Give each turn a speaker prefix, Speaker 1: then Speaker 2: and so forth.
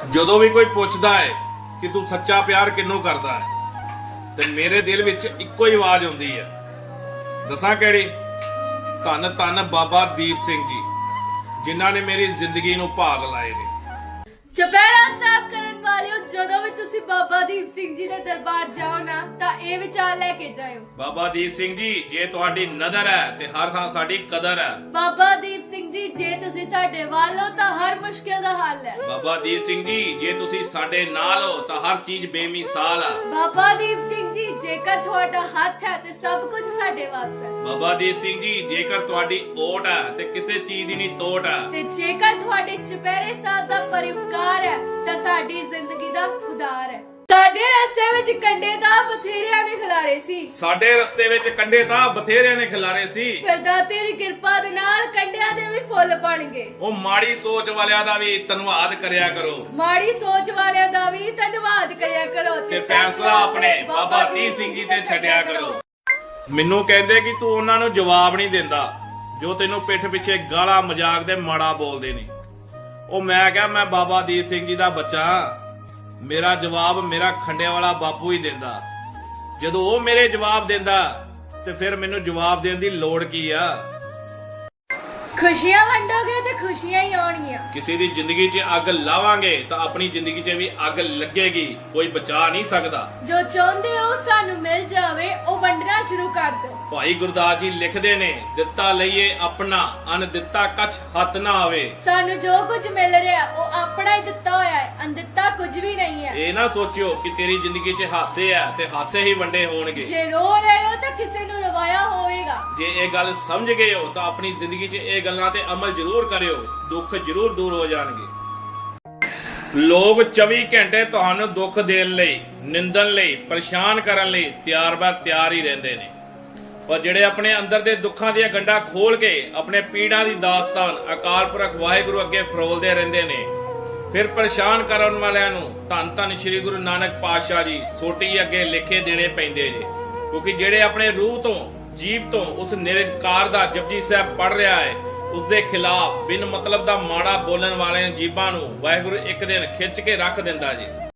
Speaker 1: ਜਦੋਂ ਵੀ ਕੋਈ ਪੁੱਛਦਾ ਹੈ ਕਿ ਤੂੰ ਸੱਚਾ ਪਿਆਰ ਕਿਹਨੂੰ ਕਰਦਾ ਹੈ ਤੇ ਮੇਰੇ ਦਿਲ ਵਿੱਚ ਇੱਕੋ ਹੀ ਆਵਾਜ਼ ਆਉਂਦੀ ਹੈ। ਦੱਸਾਂ ਕਿਹੜੀ? ਧੰਨ ਧੰਨ ਬਾਬਾ ਦੀਪ ਸਿੰਘ ਜੀ, ਜਿਨ੍ਹਾਂ ਨੇ ਮੇਰੀ ਜ਼ਿੰਦਗੀ ਨੂੰ ਭਾਗ ਲਾਏ ਨੇ।
Speaker 2: ਚੁਪਹਿਰਾ ਸਾਹਿਬ ਕਰਨ ਵਾਲਿਓ, ਜਦੋਂ ਵੀ ਤੁਸੀਂ ਬਾਬਾ ਦੀਪ ਸਿੰਘ ਜੀ ਦੇ ਦਰਬਾਰ ਜਾਓ ਨਾ ਤਾਂ ਇਹ ਵਿਚਾਰ ਲੈ ਕੇ ਜਾਇਓ।
Speaker 1: ਬਾਬਾ ਦੀਪ ਸਿੰਘ ਜੀ, ਜੇ ਤੁਹਾਡੀ ਨਜ਼ਰ ਹੈ ਤੇ ਹਰ ਥਾਂ ਸਾਡੀ ਕਦਰ ਹੈ।
Speaker 2: ਬਾਬਾ ਦੀਪ ਸਿੰਘ ਜੀ, ਜੇ ਤੁਸੀਂ ਸਾਡੇ ਵੱਲ ਹੋ ਤਾਂ ਹਰ ਮੁਸ਼ਕਿਲ ਦਾ ਹੱਲ ਹੈ।
Speaker 1: ਬਾਬਾ ਦੀਪ ਸਿੰਘ ਜੀ, ਜੇ ਤੁਸੀਂ ਸਾਡੇ ਨਾਲ ਹੋ ਤਾਂ ਹਰ ਚੀਜ਼ ਬੇਮਿਸਾਲ ਹੈ।
Speaker 2: ਬਾਬਾ ਦੀਪ ਸਿੰਘ ਜੀ, ਜੇਕਰ ਤੁਹਾਡਾ ਹੱਥ ਹੈ ਤੇ ਸਭ ਕੁਝ ਸਾਡੇ ਵੱਸ ਹੈ।
Speaker 1: ਬਾਬਾ ਦੀਪ ਸਿੰਘ ਜੀ, ਜੇਕਰ ਤੁਹਾਡੀ ਓਟ ਹੈ ਤੇ ਕਿਸੇ ਚੀਜ਼ ਦੀ ਨਹੀਂ ਤੋਟ ਹੈ।
Speaker 2: ਤੇ ਜੇਕਰ ਤੁਹਾਡੇ ਚੁਪਹਿਰੇ ਸਾਹਿਬ ਦਾ ਪਰਿਵਾਰ ਹੈ ਤਾਂ ਸਾਡੀ ਜ਼ਿੰਦਗੀ ਦਾ ਉਦਾਰ ਹੈ। ਸਾਡੇ ਰਸਤੇ ਵਿੱਚ ਕੰਡੇ ਤਾਂ ਬਥੇਰਿਆਂ ਨੇ ਖਿਲਾਰੇ ਸੀ।
Speaker 1: ਸਾਡੇ ਰਸਤੇ ਵਿੱਚ ਕੰਡੇ ਤਾਂ ਬਥੇਰਿਆਂ ਨੇ ਖਿਲਾਰੇ ਸੀ।
Speaker 2: ਪਰ ਦਾਤੇ ਦੀ ਕਿਰਪਾ ਦੇ ਨਾਲ ਕੰਡਿਆਂ ਦੇ ਵੀ ਫੁੱਲ ਬਣਗੇ।
Speaker 1: ਉਹ ਮਾੜੀ ਸੋਚ ਵਾਲਿਆਂ ਦਾ ਵੀ ਧੰਨਵਾਦ ਕਰਿਆ ਕਰੋ।
Speaker 2: ਮਾੜੀ ਸੋਚ ਵਾਲਿਆਂ ਦਾ ਵੀ ਧੰਨਵਾਦ ਕਰਿਆ ਕਰੋ
Speaker 1: ਤੇ ਫੈਸਲਾ ਆਪਣੇ ਬਾਬਾ ਦੀਪ ਸਿੰਘ ਜੀ ਤੇ ਛੱਡਿਆ ਕਰੋ। ਮੈਨੂੰ ਕਹਿੰਦੇ ਕਿ ਤੂੰ ਉਹਨਾਂ ਨੂੰ ਜਵਾਬ ਨਹੀਂ ਦਿੰਦਾ ਜੋ ਤੈਨੂੰ ਪਿੱਠ ਪਿੱਛੇ ਗਾਲਾਂ ਮਜ਼ਾਕ ਦੇ ਮਾੜਾ ਬੋਲਦੇ ਨੇ। ਉਹ ਮੈਂ ਕਿਹਾ ਮੈਂ ਬਾਬਾ ਦੀਪ ਸਿੰਘ ਜੀ ਦਾ ਬੱਚਾ ਹਾਂ। ਮੇਰਾ ਜਵਾਬ ਮੇਰਾ ਖੰਡੇ ਵਾਲਾ ਬਾਪੂ ਹੀ ਦਿੰਦਾ। ਜਦੋਂ ਉਹ ਮੇਰੇ ਜਵਾਬ ਦਿੰਦਾ ਤੇ ਫਿਰ ਮੈਨੂੰ ਜਵਾਬ ਦੇਣ ਦੀ ਲੋੜ ਕੀ ਆ?
Speaker 2: ਖੁਸ਼ੀਆਂ ਵੰਡੋਗੇ ਤੇ ਖੁਸ਼ੀਆਂ ਹੀ ਆਉਣਗੀਆਂ।
Speaker 1: ਕਿਸੇ ਦੀ ਜ਼ਿੰਦਗੀ 'ਚ ਅੱਗ ਲਾਵਾਂਗੇ ਤਾਂ ਆਪਣੀ ਜ਼ਿੰਦਗੀ 'ਚ ਵੀ ਅੱਗ ਲੱਗੇਗੀ। ਕੋਈ ਬਚਾ ਨਹੀਂ ਸਕਦਾ।
Speaker 2: ਜੋ ਚਾਹੁੰਦੇ ਹੋ ਸਾਨੂੰ ਮਿਲ ਜਾਵੇ, ਉਹ ਵੰਡਣਾ ਸ਼ੁਰੂ ਕਰ ਦਿਓ।
Speaker 1: ਭਾਈ ਗੁਰਦਾਸ ਜੀ ਲਿਖਦੇ ਨੇ, ਦਿੱਤਾ ਲਈਏ ਆਪਣਾ, ਅਨ ਦਿੱਤਾ ਕਛ ਹੱਥ ਨਾ ਆਵੇ।
Speaker 2: ਸਾਨੂੰ ਜੋ ਕੁਝ ਮਿਲ ਰਿਹਾ ਉਹ ਆਪਣਾ ਹੀ ਦਿੱਤਾ ਹੋਇਆ ਹੈ, ਅਨਦਿੱਤਾ ਕੁਝ ਵੀ ਨਹੀਂ ਹੈ।
Speaker 1: ਇਹ ਨਾ ਸੋਚਿਓ ਕਿ ਤੇਰੀ ਜ਼ਿੰਦਗੀ 'ਚ ਹਾਸੇ ਆ ਤੇ ਹਾਸੇ ਹੀ ਵੰਡੇ ਹੋਣਗੇ।
Speaker 2: ਜੇ ਰੋ ਰਹੇ ਹੋ ਤਾਂ ਕਿਸੇ ਨੂੰ ਰਵਾਇਆ ਹੋਵੇਗਾ।
Speaker 1: ਜੇ ਇਹ ਗੱਲ ਸਮਝ ਗਏ ਹੋ ਤਾਂ ਆਪਣੀ ਜ਼ਿੰਦਗੀ 'ਚ ਇਹ ਗੱਲਾਂ ਤੇ ਅਮਲ ਜ਼ਰੂਰ ਕਰਿਓ। ਦੁੱਖ ਜ਼ਰੂਰ ਦੂਰ ਹੋ ਜਾਣਗੇ। ਲੋਕ 24 ਘੰਟੇ ਤੁਹਾਨੂੰ ਦੁੱਖ ਦੇਣ ਲਈ, ਨਿੰਦਣ ਲਈ, ਪਰੇਸ਼ਾਨ ਕਰਨ ਲਈ ਤਿਆਰ ਹੀ ਰਹਿੰਦੇ ਨੇ। ਪਰ ਜਿਹੜੇ ਆਪਣੇ ਅੰਦਰ ਦੇ ਦੁੱਖਾਂ ਦੀਆਂ ਗੰਢਾਂ ਖੋਲ ਕੇ ਆਪਣੇ ਪੀੜਾਂ ਦੀ ਦਾਸਤਾਨ ਅਕਾਲ ਪੁਰਖ ਵਾਹਿਗੁਰੂ ਅੱਗੇ ਫਰੋਲਦੇ ਰਹਿੰਦੇ ਨੇ, ਫਿਰ ਪਰੇਸ਼ਾਨ ਕਰਨ ਵਾਲਿਆਂ ਨੂੰ ਧੰਨ ਧੰਨ ਸ੍ਰੀ ਗੁਰੂ ਨਾਨਕ ਪਾਤਸ਼ਾਹ ਜੀ ਸੋਟੀ ਅੱਗੇ ਲਿਖੇ ਦੇਣੇ ਪੈਂਦੇ ਨੇ। ਕਿਉਂਕਿ ਜਿਹੜੇ ਆਪਣੇ ਰੂਹ ਤੋਂ, ਜੀਵ ਤੋਂ ਉਸ ਨਿਰੰਕਾਰ ਦਾ ਜਪਜੀ ਸਾਹਿਬ ਪੜ ਰਿਹਾ ਹੈ, ਉਸ ਦੇ ਖਿਲਾਫ ਬਿਨ ਮਤਲਬ ਦਾ ਮਾੜਾ ਬੋਲਣ ਵਾਲੇ ਜੀਵਾਂ ਨੂੰ ਵਾਹਿਗੁਰੂ ਇੱਕ ਦਿਨ ਖਿੱਚ ਕੇ ਰੱਖ ਦਿੰਦਾ ਜੀ।